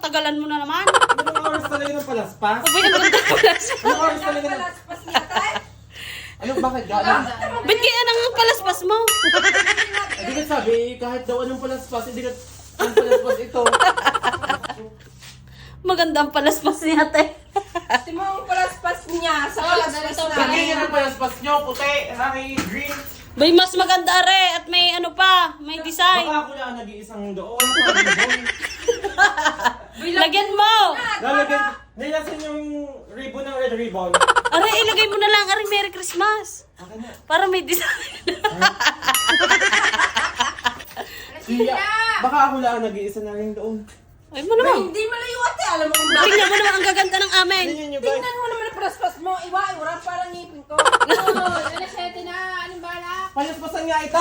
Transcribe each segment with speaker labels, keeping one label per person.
Speaker 1: tatagalan mo na naman.
Speaker 2: Anong oras talaga ng palaspas?
Speaker 1: Abay, ang ganda ng palaspas.
Speaker 2: Anong oras talaga ng... Anong bakit gano'n?
Speaker 1: Ba't kaya nang palaspas mo?
Speaker 2: Hindi ka sabi, kahit daw anong palaspas, hindi ka... Anong palaspas ito?
Speaker 1: Maganda ang palaspas niya, ate.
Speaker 3: Ito mo ang palaspas niya sa palaspas na.
Speaker 2: Ganyan ang palaspas nyo, puti, hari, green.
Speaker 1: Bay, mas maganda are at may ano pa, may design.
Speaker 2: Baka ako lang nag-iisang doon.
Speaker 1: Lagyan mo!
Speaker 2: Lalagyan, nilasan yung ribbon ng red ribbon.
Speaker 1: Are, ilagay mo na lang, are, Merry Christmas.
Speaker 2: Akin na.
Speaker 1: Para may design.
Speaker 2: Siya, baka ako lang nag-iisa na rin doon.
Speaker 1: Ay mo naman.
Speaker 3: Hindi malayo ate, alam mo kung bakit.
Speaker 1: Tingnan mo naman, ang gaganda ng amin.
Speaker 2: Tingnan nyo guys.
Speaker 3: Tingnan mo naman ang palaspas mo. Iwa, wala parang ngipin ko.
Speaker 2: Palaspasan nga ito.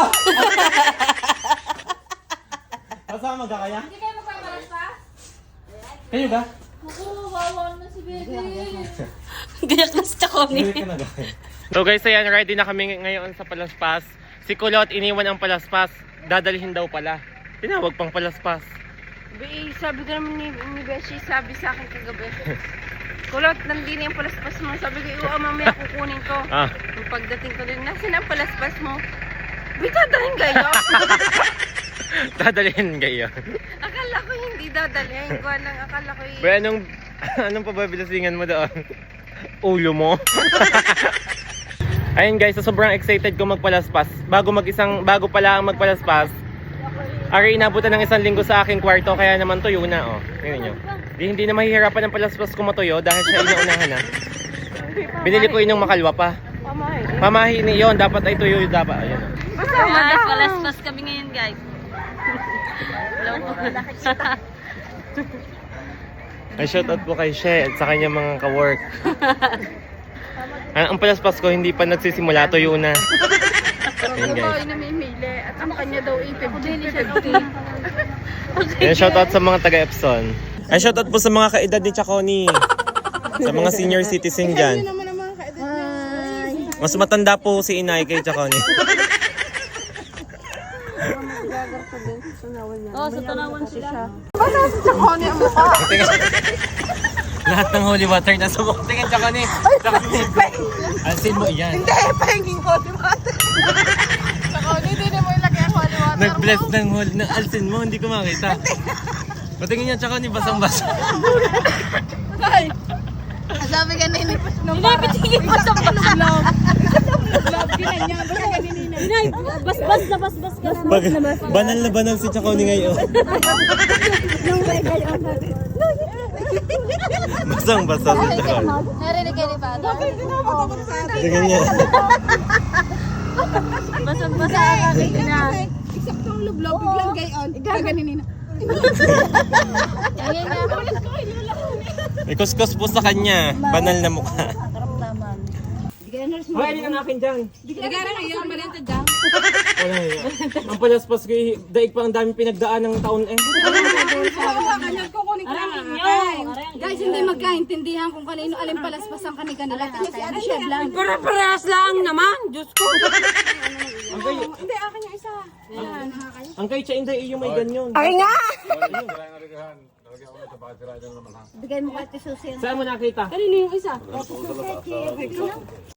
Speaker 2: Kasama ka kaya?
Speaker 4: Hindi kayo magpapalaspas?
Speaker 2: Kayo ba?
Speaker 4: Oo, wawa na si Bebe.
Speaker 1: Gayak na si Chaconi.
Speaker 2: So guys, ayan, ready na kami ngayon sa palaspas. Si Kulot iniwan ang palaspas. Dadalhin daw pala. Tinawag pang palaspas.
Speaker 3: Sabi ko naman ni Beshi, sabi sa akin kagabi. Kulot, nandini ang palaspas mo. Sabi ko, iwa, mamaya kukunin ko.
Speaker 2: Ah.
Speaker 3: Yung pagdating ko din, nasan ang palaspas mo? Uy, dadalhin kayo?
Speaker 2: Dadalhin kayo.
Speaker 3: Akala ko hindi dadalhin ko lang. Akala ko
Speaker 2: Ba, anong pababilasingan mo doon? Ulo mo? Ayun guys, so sobrang excited ko magpalaspas. Bago pala ang magpalaspas, ari inabutan ng 1 linggo sa aking kwarto, kaya naman tuyo na, oh. Tingnan nyo. Hindi na mahihirapan ang palaspas ko matuyo dahil siya inaunahan na. Binili ko yun yung makalwa pa. Pamahi ni yon, dapat ay tuyo yung dapat. Ayun, oh.
Speaker 1: Ayan, palaspas kami ngayon, guys.
Speaker 2: Ay, shoutout po kay She at sa kanyang mga ka-work. Ang palaspas ko hindi pa nagsisimula, tuyo na. Ayun guys.
Speaker 3: namimili at ang kanya daw 50.
Speaker 2: Ayan, shoutout sa mga taga-Epson. Ay, shoutout po sa mga kaedad ni Chaconi. Sa mga senior citizen dyan. Mas matanda po si Inay kay Chaconi.
Speaker 1: Oh, sa tanawan sila.
Speaker 2: Lahat ng holy water na subok. Tingin Chaconi. Alsin mo yan.
Speaker 3: Hindi, pahingin ko di ba? Saka, hindi na mo ilagay ang holy water.
Speaker 2: Nag-bless ng holy ng alsin mo. Hindi ko makita. Patingin niya Chaconi, basang-basa.
Speaker 3: Ay! Sabi ka na inipas ng
Speaker 1: Inay, pitigil mo sa palaspas.
Speaker 3: love. Ginanya, basta ganinina.
Speaker 1: Inay, basbas na basbas ka.
Speaker 2: Banal na banal si Chaconi ngayon. Basang-basa si Chaconi.
Speaker 4: Narinig kayo ni Father?
Speaker 2: Tingin niya.
Speaker 1: Basang-basa ka na.
Speaker 3: Eksaktong lublob, biglang gayon. Ganinina.
Speaker 4: Ayun na.
Speaker 2: May kuskus po sa kanya. Banal na mukha.
Speaker 4: Karamdaman.
Speaker 2: Hoy, ang akin dyan.
Speaker 3: Nagara ngayon, malintad daw.
Speaker 2: Wala yun. Ang palaspas ko, daig pa ang daming pinagdaan ng taon eh.
Speaker 3: Kukunin ko lang.
Speaker 5: Guys, hindi magkaintindihan kung kanino alin palaspas ang kanila. Kasi si Ate Chef lang.
Speaker 3: Para-parehas lang naman. Diyos ko.
Speaker 2: Ang kay,
Speaker 5: Hindi, akin yung isa.
Speaker 2: ang kay Chainday, yung may ganyan.
Speaker 3: Ay nga!
Speaker 5: Bigay mo kay Ate Susie.
Speaker 2: Saan mo nakita?
Speaker 5: Kanino yung isa?